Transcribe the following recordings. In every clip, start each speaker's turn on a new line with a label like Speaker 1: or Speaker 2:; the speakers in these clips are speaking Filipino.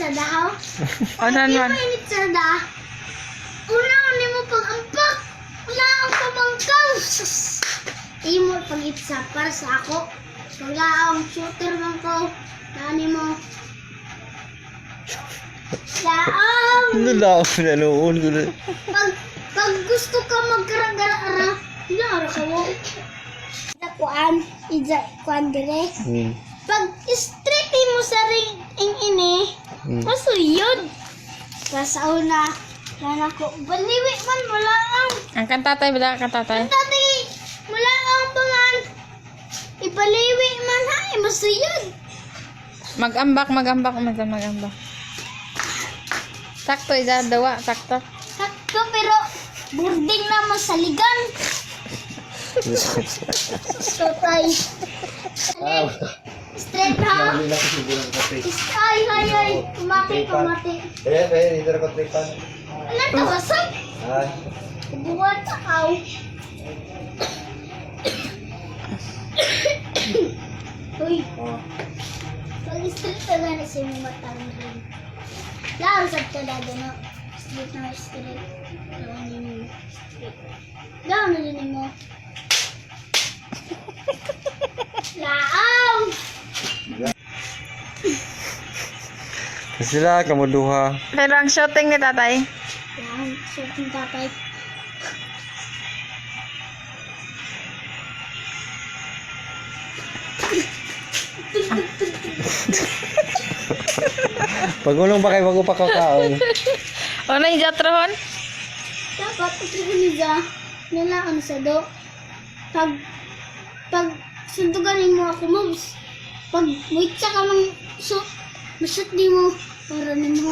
Speaker 1: daw.
Speaker 2: Ano naman?
Speaker 1: Mainit sa da. Una, ni mo pag-ampak. Wala ang pamangkaw. Sus. Imo pag-itsa para sa ako. Wala ang shooter man ko. Nani mo. Laang.
Speaker 3: Ano lang ako nanoon ko na.
Speaker 1: Pag gusto ka magkaragara-ara, hinara ka mo. Kuan, kuan dire. Pag straight mo sa ring ini, masuyod. Sa una, nana ko, baliwi man wala ang.
Speaker 2: Ang kantatay ba? Kantatay?
Speaker 1: Dati, wala ang pangan. Ibaliwi man ha, masuyod.
Speaker 2: Magambak. Sakto, isa, dawa, sakto.
Speaker 1: Sakto pero, boarding na masaligan. Sotay. Straight ha. Ay. Kumati.
Speaker 3: Dito na ko tripan.
Speaker 1: Ano ito, wasag? Buwan ka aw. Uy. Pag-straight ka na sa mga matang rin. Lausap ka na doon. Straight na straight. Lawan na din mo. Laang!
Speaker 3: Sila kamu duha.
Speaker 2: Pero ang shooting ni tatay.
Speaker 1: Laang, sorting tatay.
Speaker 3: Pagulong pa kayo bago pa kakaon.
Speaker 2: Ano yung jatrohon?
Speaker 1: Dapat ipiliga nilaan sa do. Pag sunduganin mo ako, moms. Pag wait ka mang mashoot di mo para nimo.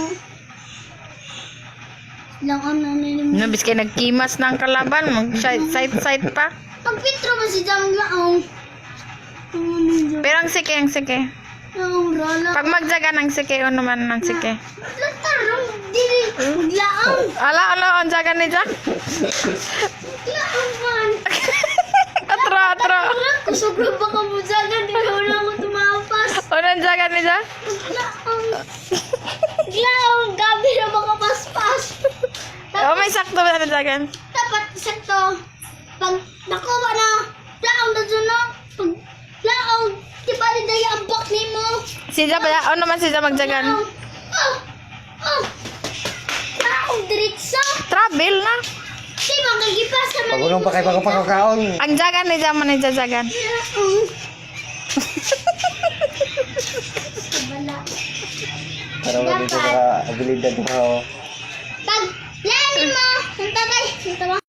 Speaker 1: Lang ano nimo.
Speaker 2: Nabis kayo nagkimas ng kalaban. Mag-side pa.
Speaker 1: Pag pitro man si Jang laong.
Speaker 2: Pero ang sike.
Speaker 1: Laong rala.
Speaker 2: Pag magjaga ng sike, o naman ng sike.
Speaker 1: Latarong dili maglaong.
Speaker 2: Ala, ang jaga ni Jack.
Speaker 1: Laong man.
Speaker 2: Atro.
Speaker 1: Kusugro ba ka mo jagan di na ako tumapas.
Speaker 2: O nang jaga ni Jack?
Speaker 1: Laong gabi na makapaspas.
Speaker 2: O may sakto ba na jagan?
Speaker 1: Dapat sakto. Pag nakuha na, laong na dyan na. Pag laong, di ba rin daya ang bak ni mo?
Speaker 2: Si Jack ba? O naman si Jack magjagan?
Speaker 1: Laong diritsa.
Speaker 2: Travel na.
Speaker 1: Di ba kagipas naman?
Speaker 3: Pagulong pa kayo bago pa kakaon.
Speaker 2: Ang jagan ni Jack man jagan.
Speaker 1: Laong. Sabala.
Speaker 3: Para wala dito ka abilidad mo.
Speaker 1: Pag, lamin mo. Ang tatay.